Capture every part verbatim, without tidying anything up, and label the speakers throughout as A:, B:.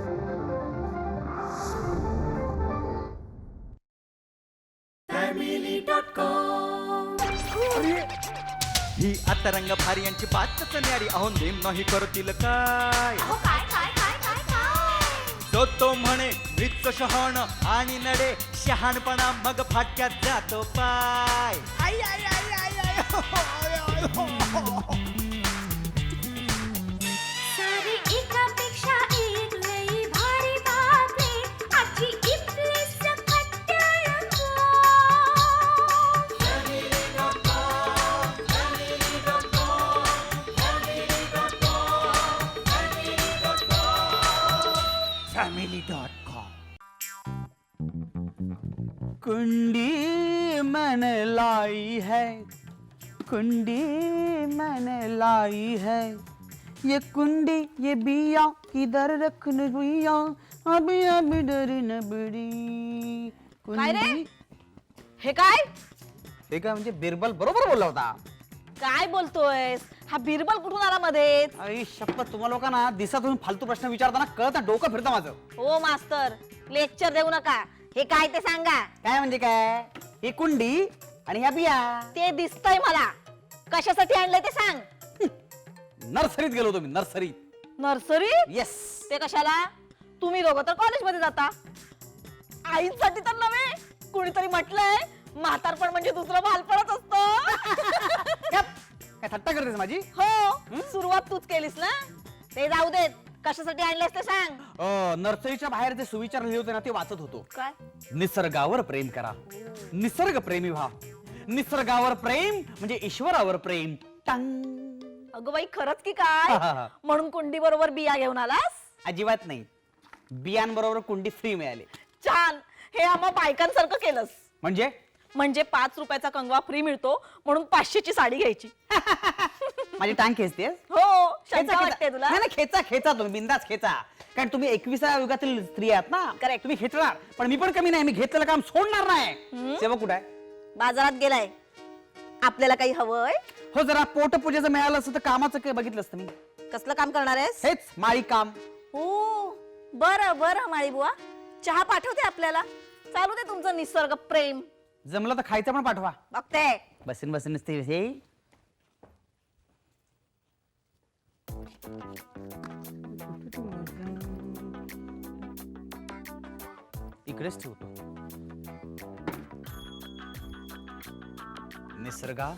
A: ही आता रंग भारी यांची बातच न्यारी अहो नेम नाही करतील काय तो तो म्हणे मृत्यू शहाण आणि नडे शहाणपणा मग फाटक्यात जातो पाय आई आई आई आई आई हो, हो, आय, आय, हो, हो.
B: सारी एकापेक्षा एक लई भारी बातमी आजची इथली सकट रंगो.
A: Family dot com. कुंडी मैंने लाई है, कुंडी मैंने लाई है, ये कुंडी ये बिया किधर रखने भैया, अभी अभी डर न बड़ी.
C: काय रे हे काय
A: हे काय म्हणजे बिरबल बरोबर बोलला होता.
C: काय बोलतोयस? हा बिरबल कुठून आला मध्ये?
A: आई शपथ तुम्हा लोकांना दिसा तुम्ही फालतू प्रश्न विचारताना कळत ना डोकं फिरतं माझं.
C: हो मास्तर, लेक्चर देऊ नका. हे काय ते सांगा.
A: काय म्हणजे काय? ही कुंडी आणि ह्या बिया.
C: ते दिसतंय मला. कशासाठी आणलंय ते सांग.
A: नर्सरीत गेलो होतो मी, नर्सरीत.
C: नर्सरी?
A: येस.
C: ते कशाला? तुम्ही दोघं तर कॉलेज मध्ये जाता. आईसाठी तर नव्हे. कुणीतरी म्हटलंय म्हातारपण म्हणजे दुसरं बालपणच असतं.
A: काय थट्टा करतेस माझी?
C: हो, सुरुवात तूच केलीस ना. ते जाऊ देत. कशासाठी आणलंयस ते सांग.
A: अ, नर्सरीच्या बाहेर जे सुविचार लिहिले होते ना ते वाचत होतो.
C: काय?
A: निसर्गावर प्रेम करा, निसर्ग प्रेमी व्हा. निसर्गावर प्रेम म्हणजे ईश्वरावर प्रेम. टंग.
C: अगं बाई खरंच की काय? म्हणून कुंडी बरोबर बिया घेऊन आलास?
A: अजिबात नाही. बियांबरोबर कुंडी फ्री मिळाली.
C: छान. हे आम्हा बायकांसारखं केलंस.
A: म्हणजे
C: म्हणजे पाच रुपयाचा कंगवा फ्री मिळतो म्हणून पाचशेची साडी घ्यायची.
A: माझी टांग खेचते.
C: हो, शंका वाटते तुला?
A: नाही खेचा खेचा तुम्ही बिंदास खेचा. कारण तुम्ही एकविसाव्या युगातील स्त्री आहात ना.
C: करेक्ट.
A: तुम्ही खेचणार पण मी पण कमी नाही. मी घेतलेलं काम सोडणार नाही. सेवक कुठे आहे?
C: बाजारात गेलाय. आपल्याला काही हवंय?
A: हो, जरा पोटपूजेचं मिळालं असतं तर कामाचं काय बघितलं असतं मी.
C: कसलं काम करणार आहेस?
A: हेच माळी काम.
C: हो, बरं बरं माळी बुवा, चहा पाठवते आपल्याला. चालू दे तुमचं निसर्ग प्रेम.
A: जमलं तर खायचं पण पाठवा.
C: बघते.
A: बसून बसून नसते हे. इकडेच ठेवतो. निसर्गा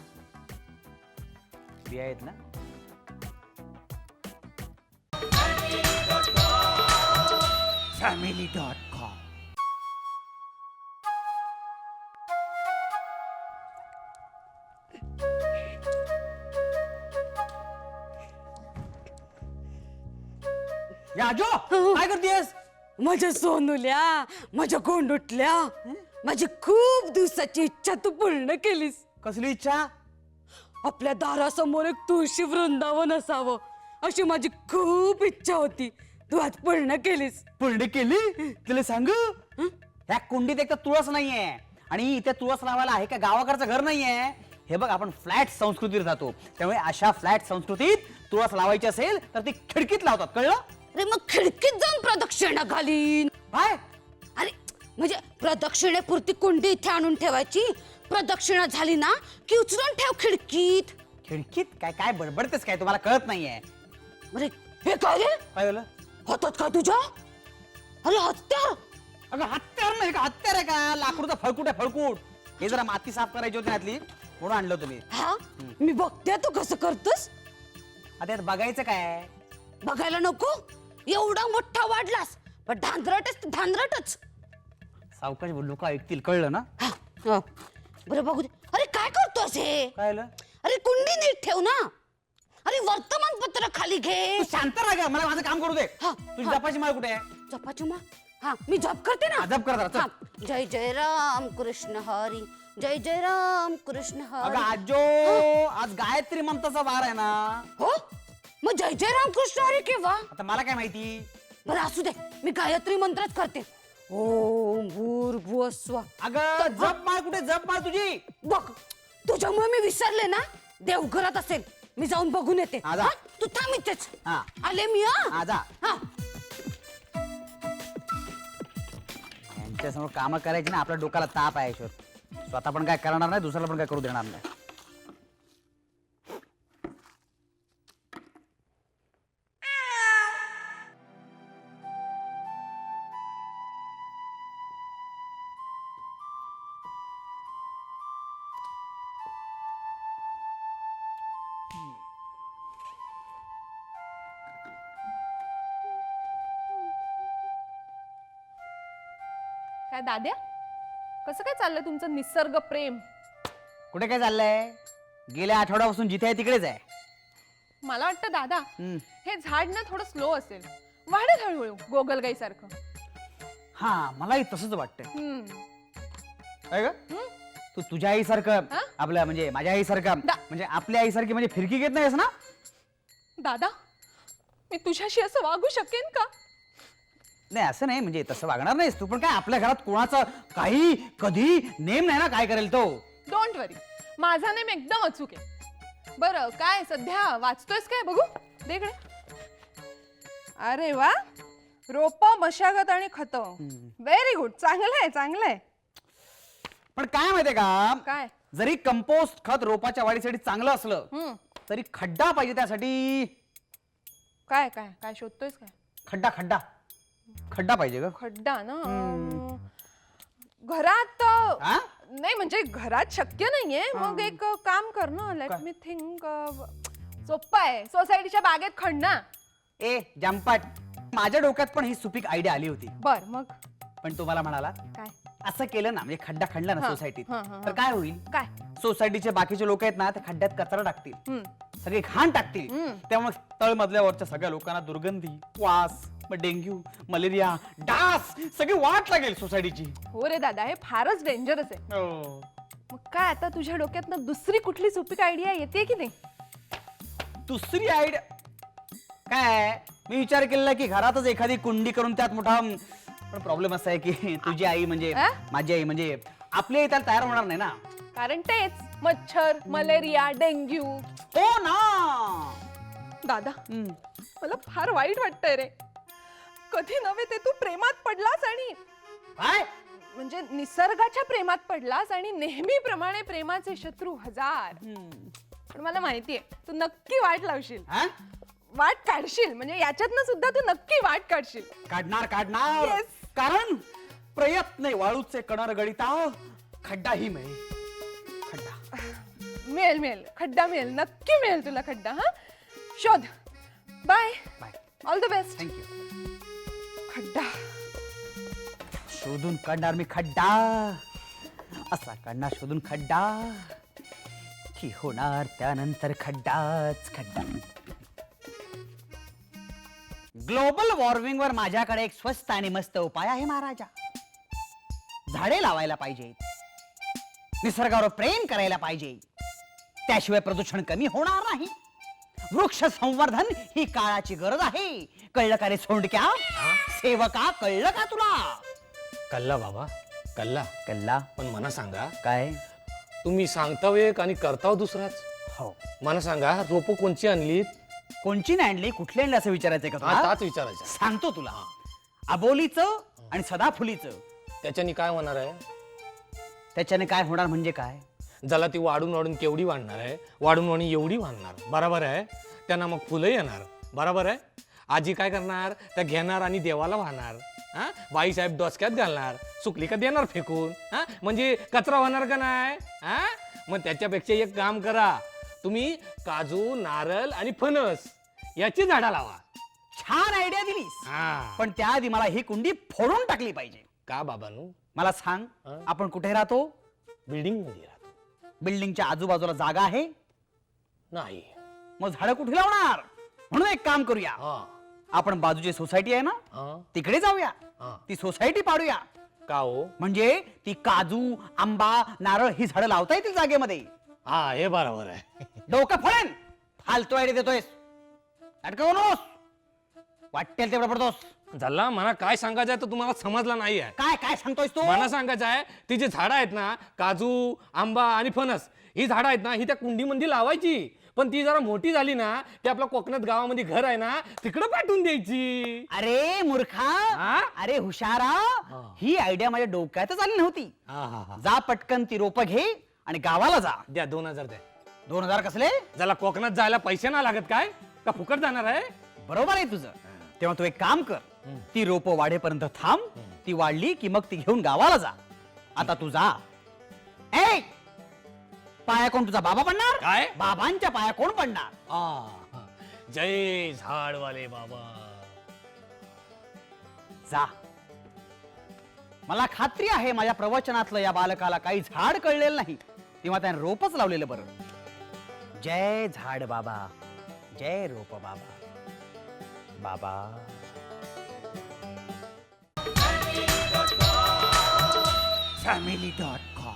A: बिया आहेत ना. Family dot com. याजो काय करतेस?
D: माझ्या सोनूल्या, माझ्या गोंडुटल्या, माझी खूप दिवसाची इच्छा तू पूर्ण केलीस.
A: कसली इच्छा?
D: आपल्या दारासमोर एक तुळशी वृंदावन असावं अशी माझी खूप इच्छा होती. तू आज पूर्ण केलीस.
A: पूर्ण केली? तुला सांगू, ह्या कुंडीत एक तर तुळस नाहीये आणि इथे तुळस लावायला आहे का गावाकडचं घर नाहीये. हे बघ, आपण फ्लॅट संस्कृतीत राहतो, त्यामुळे अशा फ्लॅट संस्कृतीत तुळस लावायची असेल तर ती खिडकीत लावतात. कळलं?
D: अरे मग खिडकीत जाऊन प्रदक्षिणा घालीन.
A: काय?
D: अरे म्हणजे प्रदक्षिणेपुरती कुंडी इथे आणून ठेवायची. प्रदक्षिणा झाली ना की उचलून ठेव खिडकीत.
A: खिडकीत काय काय बडबडतेस काय? तुम्हाला कळत नाहीये.
D: अरे हे काय रे?
A: काय झालं?
D: हातात काय तुझ्या? अरे हत्यार.
A: अगं हत्यार नाही का? हत्यार आहे का? लाकूडचा फळकूट आहे, फळकूट. हे जरा माती साफ करायची होती यातली म्हणून आणलं तुम्ही.
D: हा मी बघते तू कसं करतोस.
A: आता यात बघायचं काय?
D: बघायला नको. एवढा मोठा वाढलास पण धांदरटच धांदरटच.
A: सावकाश लोक ऐकतील. कळलं ना?
D: हा, हा. बरं बघू दे. अरे काय करतोस हे?
A: काय झालं?
D: अरे कुंडी नीट ठेव ना. अरे वर्तमानपत्र खाली घे.
A: तू शांत राहा गं, मला माझं काम करू दे.
D: हा,
A: तुझी
D: हा.
A: जपाची माळ कुठे आहे?
D: जपाची माळ. हा मी जप करते ना.
A: जप कर जरा, चल.
D: हा. जय जय राम कृष्ण हरी, जय जय राम कृष्ण
A: अगं
D: हरी.
A: आजो, आज गायत्री मंत्राचा वार आहे ना.
D: हो मग जय जय राम कृष्ण हरी केव्हा?
A: आता मला काय माहिती.
D: बरं असू दे, मी गायत्री मंत्रच करते. ओम भूर्भुवः स्वः.
A: अगं जप माळ कुठे? जप माळ तुझी.
D: बघ तुझ्यामुळे मी विसरले ना. देवघरात असेल, मी जाऊन बघून येते.
A: हा, जा.
D: हा? तू थांब इथेच.
A: हा.
D: आले मी. हा
A: हा, जा.
D: हा.
A: त्याच्यासमोर कामं करायची ना, आपल्या डोक्याला ताप आहे ईश्वर. स्वतः पण काय करणार नाही, दुसऱ्याला पण काय करू देणार नाही.
E: काय दाद्या, कसं काय चाललंय तुमचं निसर्ग प्रेम?
A: कुठे काय चाललंय? गेल्या आठवड्यापासून जिथे आहे तिकडेच आहे.
E: मला वाटतं दादा,
A: हम्म.
E: हे झाड ना थोडं स्लो असेल, वाढत हळूहळू गोगलगाई सारखं.
A: हा, मलाही तसंच वाटतंय.
E: हम्म.
A: काय ग?
E: हम्म.
A: तू तुझ्या आईसारखं,
E: हा?
A: आपल्या म्हणजे माझ्या आईसारखं,
E: दा-
A: म्हणजे आपल्या आईसारखी म्हणजे फिरकी घेत नाहीस ना?
E: दादा, मी तुझ्याशी असं वागू शकेन का?
A: नाही, असं नाही, म्हणजे तसं वागणार नाहीस तू. पण काय आपल्या घरात कोणाचा काही कधी नेम नाही ना काय करेल तो.
E: डोंट वरी, माझा नेम एकदम अचूक आहे. बरं, काय सध्या वाचतोयस काय? बघू दे इकडे. अरे वा, रोप, मशागत आणि खत. व्हेरी गुड, चांगलं आहे चांगलं आहे.
A: पण काय माहितीये का,
E: काय?
A: जरी कंपोस्ट खत रोपाच्या वाढीसाठी चांगलं असलं
E: हम्म.
A: तरी खड्डा पाहिजे त्यासाठी.
E: काय काय काय शोधतोयस काय?
A: खड्डा खड्डा खड्डा पाहिजे ग.
E: खड्डा ना? अं, घरात अं,
A: हा?
E: नाही म्हणजे घरात शक्य नाहीये. मग एक काम कर ना, लेट
A: काय?
E: मी थिंक. सोप्पं आहे, सोसायटीच्या बागेत खणना.
A: ए जंपाट, माझ्या डोक्यात पण ही सुपीक आयडिया आली होती.
E: बर, मग
A: पण तुम्हाला म्हणाला
E: काय
A: असं केलं ना, म्हणजे खड्डा खणला ना
E: हा,
A: सोसायटीत,
E: हा, हा, हा.
A: तर काय होईल?
E: काय?
A: सोसायटीचे बाकीचे लोक आहेत ना, ते खड्ड्यात कचरा टाकतील,
E: हम्म.
A: सगळे घाण टाकतील.
E: हम्म.
A: त्यामुळे तळमजल्यावरच्या सगळ्या लोकांना दुर्गंधी, वास, मग डेंग्यू, मलेरिया, डास सगळी वाट लागेल सोसायटीची.
E: हो रे दादा, हे फारच डेंजरस आहे. मग काय आता तुझ्या डोक्यातनं दुसरी कुठली सुपीक आयडिया येते की नाही?
A: दुसरी आयडिया काय, मी विचार केलेला की घरातच एखादी कुंडी करून त्यात मोठा, पण प्रॉब्लेम असा आहे की तुझी आई म्हणजे
E: आ?
A: माझी आई म्हणजे आपली आई त्याला तयार होणार नाही ना.
E: कारण तेच मच्छर, मलेरिया, डेंग्यू.
A: हो ना.
E: दादा,
A: हम्म.
E: मला फार वाईट वाटतंय रे. कधी नव्हे ते तू प्रेमात पडलास आणि
A: काय?
E: म्हणजे निसर्गाच्या प्रेमात पडलास आणि नेहमीप्रमाणे प्रेमाचे शत्रू हजार. पण मला माहितीये तू नक्की वाट लावशील,
A: हा?
E: वाट काढशील. म्हणजे याच्यातनं सुद्धा तू नक्की वाट काढशील.
A: काढणार काढणार
E: Yes.
A: कारण प्रयत्न वाळूचे कणर गळिता खड्डा ही मिळेल. खड्डा
E: मिळेल मिळेल खड्डा मिळेल, नक्की मिळेल तुला खड्डा. हा, शोध. Bye
A: bye,
E: all the best.
A: Thank you.
E: खड्डा
A: शोधून काढणार मी खड्डा, असा काढणार शोधून खड्डा की होणार त्यानंतर खड्डाच खड्डा. ग्लोबल वॉर्मिंग वर माझ्याकडे एक स्वस्त आणि मस्त उपाय आहे महाराजा. झाडे लावायला पाहिजे, निसर्गावर प्रेम करायला पाहिजे, त्याशिवाय प्रदूषण कमी होणार नाही. वृक्ष संवर्धन ही काळाची गरज आहे. कळलं का रे सोंडक्या? सेवका, कळलं का तुला?
F: कल्ला बाबा, कल्ला.
A: कल्ला
F: पण मला सांगा,
A: काय?
F: तुम्ही सांगताव एक आणि करताव दुसराच.
A: हो,
F: मला सांगा, रोपं कोणची आणलीत?
A: कोणची नाही आणली, कुठली आणली असं विचारायचंय का
F: हा,
A: तुला?
F: ताच विचारायचं.
A: सांगतो तुला. अबोलीचं आणि सदाफुलीचं.
F: त्याच्यानी काय होणार आहे?
A: त्याच्याने काय होणार म्हणजे काय?
F: ज्याला ती वाढून वाढून केवढी वाढणार आहे, वाढून वाढून एवढी वाढणार, बरोबर आहे. त्यांना मग फुलं येणार, बरोबर आहे. आजी काय करणार, त्या घेणार आणि देवाला वाहणार. हा, बाईसाहेब डोसक्यात घालणार, सुकली का देणार फेकून. हा, म्हणजे कचरा होणार का नाही? हा, मग त्याच्यापेक्षा एक काम करा, तुम्ही काजू, नारळ आणि फणस याची झाडं लावा.
A: छान आयडिया दिलीस,
F: हा.
A: पण त्याआधी मला ही कुंडी फोडून टाकली पाहिजे.
F: का बाबानू?
A: मला सांग,
F: हा?
A: आपण कुठे राहतो?
F: बिल्डिंग मध्ये राहतो.
A: बिल्डिंगच्या आजूबाजूला जागा आहे?
F: नाही.
A: मग झाडं कुठे लावणार? म्हणून एक काम करूया,
F: हा.
A: आपण बाजूची सोसायटी आहे ना,
F: हा.
A: तिकडे जाऊया,
F: हा.
A: ती सोसायटी पाडूया.
F: का हो?
A: म्हणजे ती काजू, आंबा, नारळ ही झाडं लावता येतील जागेमध्ये.
F: हा, हे बरोबर आहे.
A: डोकं फळेन, फालतू आयडिया देतोयस. नाटकं बनवूस, वाटेल तेवढं पडतोस.
F: झाला, मला काय सांगायचं आहे तर तुम्हाला समजला नाही आहे.
A: काय काय सांगतोयस तू?
F: मला सांगायचं आहे, ती जी झाडं आहेत ना, काजू, आंबा आणि फणस, ही झाडं आहेत ना, ही त्या कुंडीमध्ये लावायची. पण ती जरा मोठी झाली ना की आपल्या कोकणात गावामध्ये घर आहे ना तिकडं पाठवून द्यायची.
A: अरे मूर्खा,
F: हा?
A: अरे हुशारा, ही आयडिया माझ्या डोक्यातच आली नव्हती.
F: हा हा हा
A: जा पटकन ती रोपं घे आणि गावाला जा.
F: द्या दोन हजार द्या.
A: दोन हजार कसले?
F: ज्याला कोकणात जायला पैसे ना लागत काय का फुकट जाणार आहे.
A: बरोबर आहे तुझं. तेव्हा तू एक काम कर, ती रोपं वाढेपर्यंत थांब, ती वाढली की मग ती घेऊन गावाला जा. आता तू जा. ए पाया कोण तुझा बाबा पडणार?
F: काय?
A: बाबांच्या पाया कोण पडणार?
F: आ, जय झाडवाले बाबा.
A: जा. मला खात्री आहे माझ्या प्रवचनातलं या बालकाला काही झाड कळलेलं नाही, तेव्हा त्याने रोपच लावलेलं बरं. जय झाड बाबा, जय रोप बाबा. बाबा फॅमिली डॉट कॉम.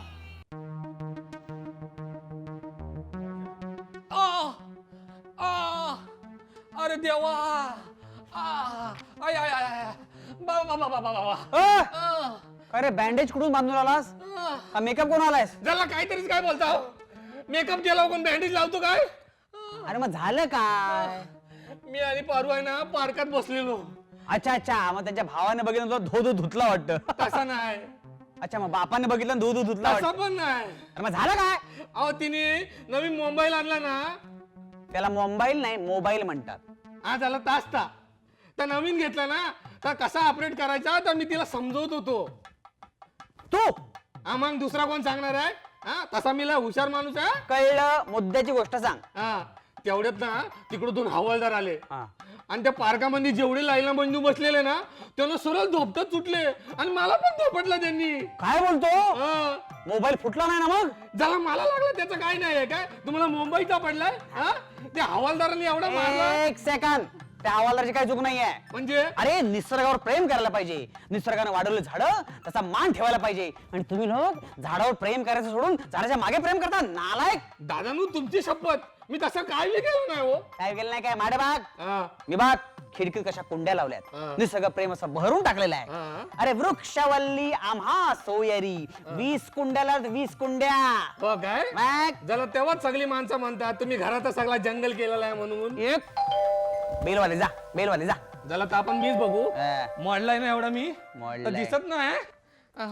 F: आ, आ, अरे देवा. आ, आय आय आय आय. बाबा बाबा बाबा बाबा. आ,
A: अरे बँडेज कुठून बांधून आलास?
F: आ.
A: का मेकअप कोण आलायस?
F: ज्याला काहीतरीच काय बोलता हो? मेकअप केला कोण बँडेज लावतो काय?
A: अरे मग झालं काय?
F: मी आणि पारू आहे ना पार्कात बसलेलो.
A: अच्छा अच्छा, मग त्याच्या भावाने बघितलं तुला धो धो धुतला वाटतं.
F: तसा नाही.
A: अच्छा, मग बापाने बघितलं धो धो धुतला
F: तसा
A: वाटतं.
F: पण नाही.
A: अरे मग झालं काय?
F: अहो तिने नवीन मोबाईल आणला ना.
A: त्याला मोबाईल नाही मोबाईल म्हणतात.
F: हा झाला तासता. तर नवीन घेतला ना तर कसा ऑपरेट करायचा तर मी तिला समजवत होतो.
A: तू
F: हा मग दुसरा कोण सांगणार आहे. हा तसा मी लय हुशार माणूस आहे.
A: कळलं, मुद्द्याची गोष्ट सांग.
F: हा तेवढ्यात ना तिकडून हवालदार आले
A: हा.
F: आणि त्या पार्कामध्ये जेवढे लाईना बंधू बसलेले ना त्यांना सरळ झोपतच सुटले आणि मला पण झोपटलं त्यांनी.
A: काय बोलतो?
F: हा.
A: मोबाईल फुटला नाही ना मग?
F: ज्याला मला लागलं त्याचं काय नाही आहे काय. तुम्हाला मुंबईचा पडलाय. हा त्या हवालदारांनी एवढा मारला
A: एक सेकंद, त्या हवालदाराची काही चूक नाहीये.
F: म्हणजे.
A: अरे निसर्गावर प्रेम करायला पाहिजे. निसर्गाने वाढवलं झाड त्याचा मान ठेवायला पाहिजे. आणि तुम्ही लोक झाडावर प्रेम करायचं सोडून झाडाच्या मागे प्रेम करता. नालायक.
F: दादानू तुमची शपथ मी तसं काय बी केलं नाही हो.
A: काय केलं नाही काय? माडे बाग
F: हा.
A: मी बाग खिडकीत कशा कुंड्या लावल्यात.
F: हा.
A: निसर्ग प्रेम असं भरून टाकलेलं आहे.
F: हा.
A: अरे वृक्षवल्ली आम्हा सोयरी, वीस कुंड्याला वीस कुंड्या.
F: हो काय.
A: मग
F: ज्याला तेव्हाच सगळी माणसं म्हणतात तुम्ही घरात सगळा जंगल केलेला आहे म्हणून.
A: एक बेलवाले जा, बेलवाले जा.
F: ज्याला तर आपण मीच बघू.
A: हा.
F: मोडलाय ना एवढा मी.
A: मोडलाय.
F: तर दिसत नाही. आ.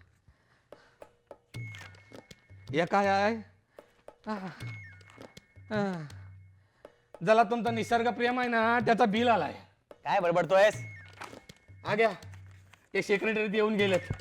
F: हे काय आहे. आ. आ. ज्याला तुमचा निसर्ग प्रेम आहे ना त्याचा बिल आलाय.
A: काय बडबडतोयस?
F: हा घ्या. ते सेक्रेटरी येऊन गेलेत.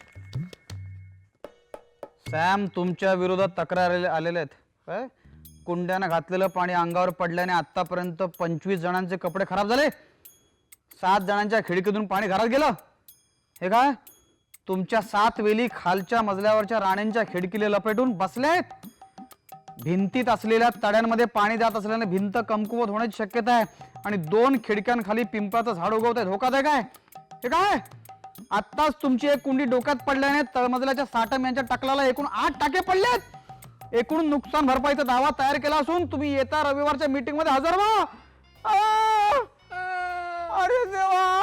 A: सॅम तुमच्या विरोधात तक्रार आलेले आहेत. काय? कुंड्यानं घातलेलं पाणी अंगावर पडल्याने आतापर्यंत पंचवीस जणांचे कपडे खराब झाले. सात जणांच्या खिडकीतून पाणी घरात गेलं. हे काय? तुमच्या सात वेली खालच्या मजल्यावरच्या राण्यांच्या खिडकीला लपेटून बसले आहेत. भिंतीत असलेल्या तड्यांमध्ये पाणी जात असल्याने भिंत कमकुवत होण्याची शक्यता आहे. आणि दोन खिडक्यांखाली पिंपळाचं झाड उगवत आहे. धोकादायक आहे. हे काय? आत्ताच तुमची एक कुंडी डोक्यात पडल्याने तळमजल्याच्या साठम यांच्या टकलाला एकूण आठ टाके पडलेत. एकूण नुकसान भरपाईचा दावा तयार केला असून तुम्ही येत्या रविवारच्या मीटिंग मध्ये हजर व्हा. आ! अरे देवा.